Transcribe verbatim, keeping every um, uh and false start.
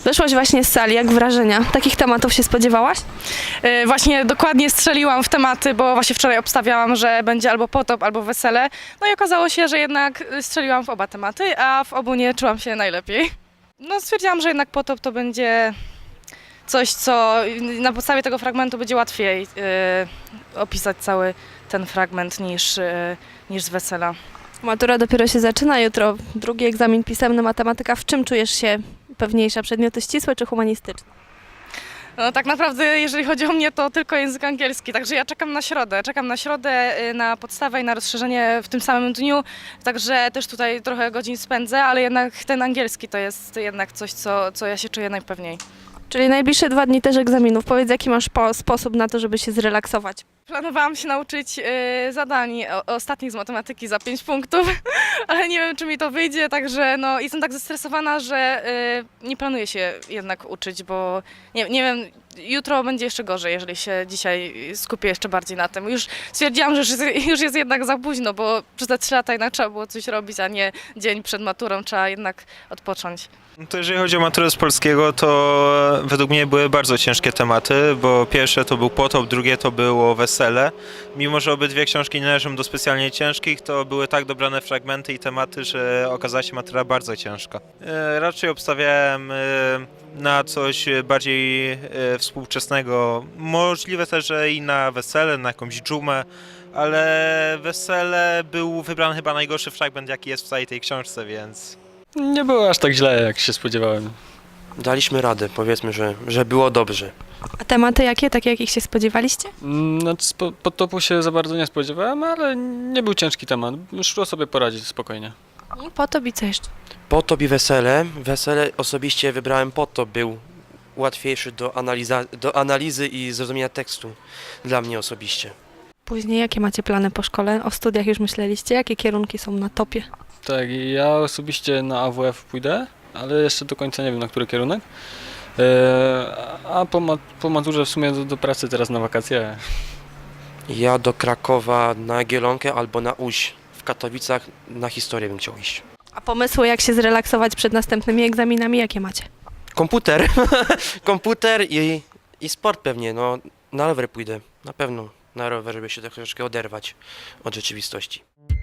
Wyszłaś właśnie z sali, jak wrażenia? Takich tematów się spodziewałaś? Yy, Właśnie dokładnie strzeliłam w tematy, bo właśnie wczoraj obstawiałam, że będzie albo potop, albo wesele. No i okazało się, że jednak strzeliłam w oba tematy, a w obu nie czułam się najlepiej. No stwierdziłam, że jednak potop to będzie coś, co na podstawie tego fragmentu będzie łatwiej yy, opisać cały ten fragment niż, yy, niż z wesela. Matura dopiero się zaczyna, jutro drugi egzamin pisemny, matematyka. W czym czujesz się pewniejsza? Przedmioty ścisłe czy humanistyczne? No tak naprawdę, jeżeli chodzi o mnie, to tylko język angielski, także ja czekam na środę. Czekam na środę, y, na podstawę i na rozszerzenie w tym samym dniu, także też tutaj trochę godzin spędzę, ale jednak ten angielski to jest jednak coś, co, co ja się czuję najpewniej. Czyli najbliższe dwa dni też egzaminów. Powiedz, jaki masz po- sposób na to, żeby się zrelaksować? Planowałam się nauczyć y, zadań o, ostatnich z matematyki za pięć punktów, ale nie wiem, czy mi to wyjdzie, także no, jestem tak zestresowana, że y, nie planuję się jednak uczyć, bo nie, nie wiem, jutro będzie jeszcze gorzej, jeżeli się dzisiaj skupię jeszcze bardziej na tym. Już stwierdziłam, że już jest, już jest jednak za późno, bo przez te trzy lata jednak trzeba było coś robić, a nie dzień przed maturą, trzeba jednak odpocząć. No to jeżeli chodzi o maturę z polskiego, to według mnie były bardzo ciężkie tematy, bo pierwsze to był potop, drugie to było wesele. Mimo że obydwie książki nie należą do specjalnie ciężkich, to były tak dobrane fragmenty i tematy, że okazała się matura bardzo ciężka. E, Raczej obstawiałem e, na coś bardziej e, współczesnego. Możliwe też, że i na wesele, na jakąś dżumę, ale wesele był wybrany chyba najgorszy fragment, jaki jest w całej tej książce, więc... Nie było aż tak źle, jak się spodziewałem. Daliśmy radę, powiedzmy, że, że było dobrze. A tematy jakie? Takie, jakich się spodziewaliście? Mm, Znaczy, spo- podtopu się za bardzo nie spodziewałem, ale nie był ciężki temat. Szło sobie poradzić spokojnie. I potop i co jeszcze? Potop i wesele. Wesele osobiście wybrałem potop, był łatwiejszy do, analiza- do analizy i zrozumienia tekstu dla mnie osobiście. Później jakie macie plany po szkole? O studiach już myśleliście? Jakie kierunki są na topie? Tak, i ja osobiście na A W F pójdę, ale jeszcze do końca nie wiem, na który kierunek. E, a po, ma- po maturze w sumie do, do pracy teraz na wakacje. Ja do Krakowa na Jagiellonkę albo na Łódź. W Katowicach na historię bym chciał iść. A pomysły, jak się zrelaksować przed następnymi egzaminami, jakie macie? Komputer. Komputer i, i sport pewnie. No, na rower pójdę. Na pewno na rower, żeby się troszeczkę oderwać od rzeczywistości.